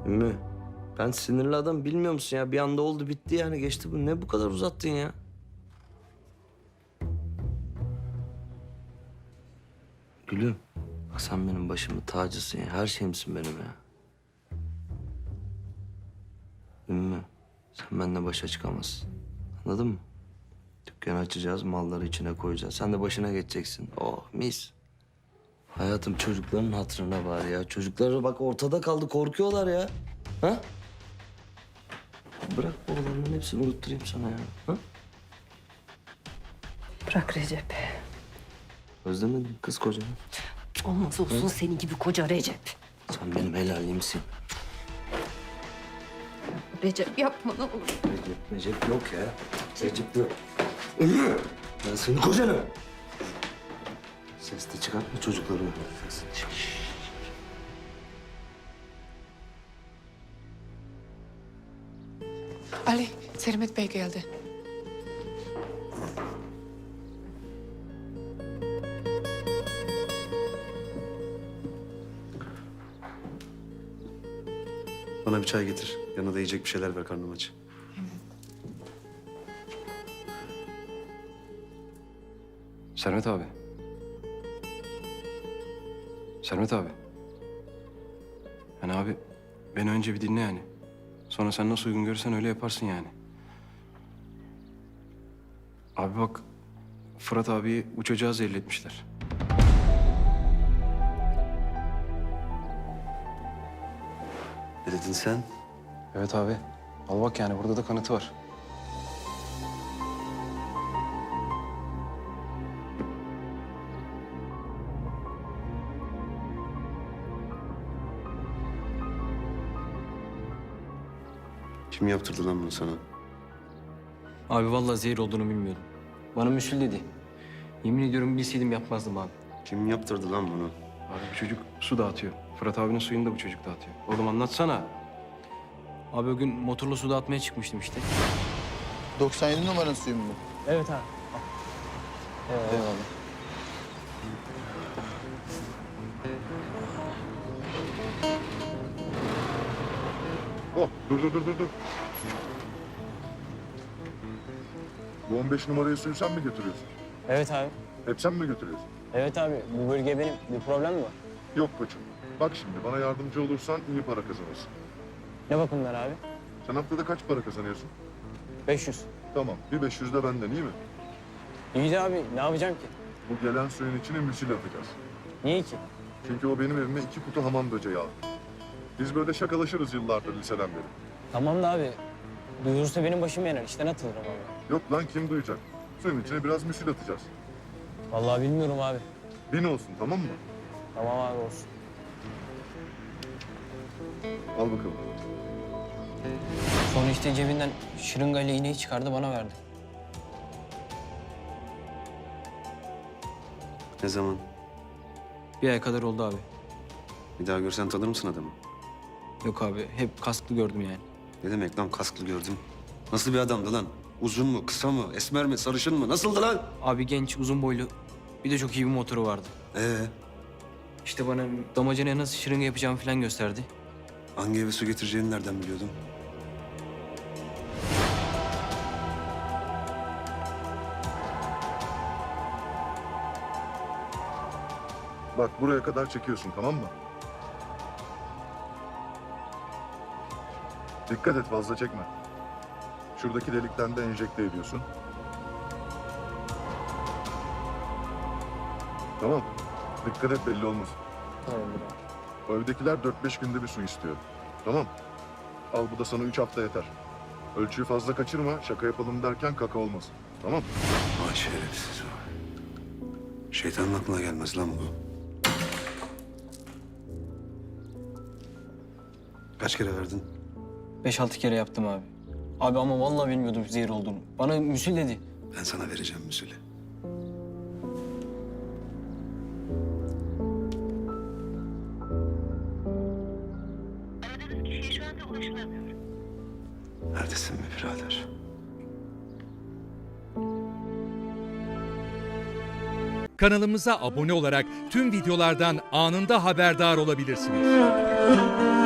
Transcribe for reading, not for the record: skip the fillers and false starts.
Ümmü, ben sinirli adam bilmiyor musun ya? Bir anda oldu bitti yani geçti bu. Ne bu kadar uzattın ya? Gülüm, bak sen benim başımın tacısın ya. Her şeyimsin benim ya. Ümmü, sen benimle başa çıkamazsın. Anladın mı? Dükkanı açacağız, malları içine koyacağız. Sen de başına geçeceksin. Oh mis. Hayatım çocukların hatırına var ya. Çocukları bak ortada kaldı, korkuyorlar ya. Ha? Bırak bu olanların hepsini unutturayım sana ya. Ha? Bırak Recep. Özlemedin mi kız kocanı? Olmaz olsun senin gibi koca Recep. Sen benim helalimsin. Recep yapma ne olur. Recep yok ya. Recep yok. Ümmü! Ben senin kocanım. Ses de çıkartma çocukları uyandırırsın. Ali, Sermet Bey geldi. Bana bir çay getir. Yanına da yiyecek bir şeyler ver, karnım aç. Sermet abi. Sermet abi. Yani abi beni önce bir dinle yani. Sonra sen nasıl uygun görürsen öyle yaparsın yani. Abi bak Fırat abiyi bu çocuğa zehirletmişler. Ne dedin sen? Evet abi. Al bak yani burada da kanıtı var. Kim yaptırdı lan bunu sana? Abi vallahi zehir olduğunu bilmiyordum. Bana müsül dedi. Yemin ediyorum bilseydim yapmazdım abi. Kim yaptırdı lan bunu? Abi bu çocuk su dağıtıyor. Fırat abinin suyunu da bu çocuk dağıtıyor. Oğlum anlatsana. Abi o gün motorla su dağıtmaya çıkmıştım işte. 97 numaranın suyu mu bu? Evet abi. Eyvallah. Oh, dur. Bu 15 numarayı suyu sen mi götürüyorsun? Evet abi. Hep sen mi götürüyorsun? Evet abi. Bu bölge benim. Bir problem mi var? Yok koçum. Bak şimdi bana yardımcı olursan iyi para kazanırsın. Ne bakımlar abi? Sen haftada kaç para kazanıyorsun? 500. Tamam, bir 500 de benden iyi mi? İyi de abi ne yapacağım ki? Bu gelen suyun içine müsil atacağız. Niye ki? Çünkü o benim evime 2 kutu hamam böceği aldı. Biz böyle şakalaşırız yıllardır liseden beri. Tamam da abi. Duyurursa benim başım yanar. İşten atılırım abi. Yok lan kim duyacak? Suyun içine biraz müsil atacağız. Vallahi bilmiyorum abi. 1000 olsun tamam mı? Tamam abi olsun. Al bakalım. Sonra işte cebinden şırıngayla iğneyi çıkardı bana verdi. Ne zaman? Bir ay kadar oldu abi. Bir daha görsen tanır mısın adamı? Yok abi hep kasklı gördüm yani. Ne demek lan kasklı gördüm? Nasıl bir adamdı lan? Uzun mu, kısa mı, esmer mi, sarışın mı? Nasıldı lan? Abi genç, uzun boylu. Bir de çok iyi bir motoru vardı. İşte İşte bana damacanaya nasıl şırınga yapacağımı falan gösterdi. hangi eve su getireceğini nereden biliyordun? Bak buraya kadar çekiyorsun tamam mı? Dikkat et fazla çekme. Şuradaki delikten de enjekte ediyorsun. Tamam. Dikkat et belli olmasın. Tamamdır abi. O evdekiler 4-5 günde bir su istiyor. Tamam. Al bu da sana 3 hafta yeter. Ölçüyü fazla kaçırma. Şaka yapalım derken kaka olmasın. Tamam. Vay şerefsiz o. Şeytanın aklına gelmez lan bu. Kaç kere verdin? 5-6 kere yaptım abi. Abi ama vallahi bilmiyordum zehir olduğunu. Bana müsül dedi. Ben sana vereceğim müsülü. Aradığınız kişiye şu anda ulaşılamıyor. Neredesin be birader? Kanalımıza abone olarak tüm videolardan anında haberdar olabilirsiniz.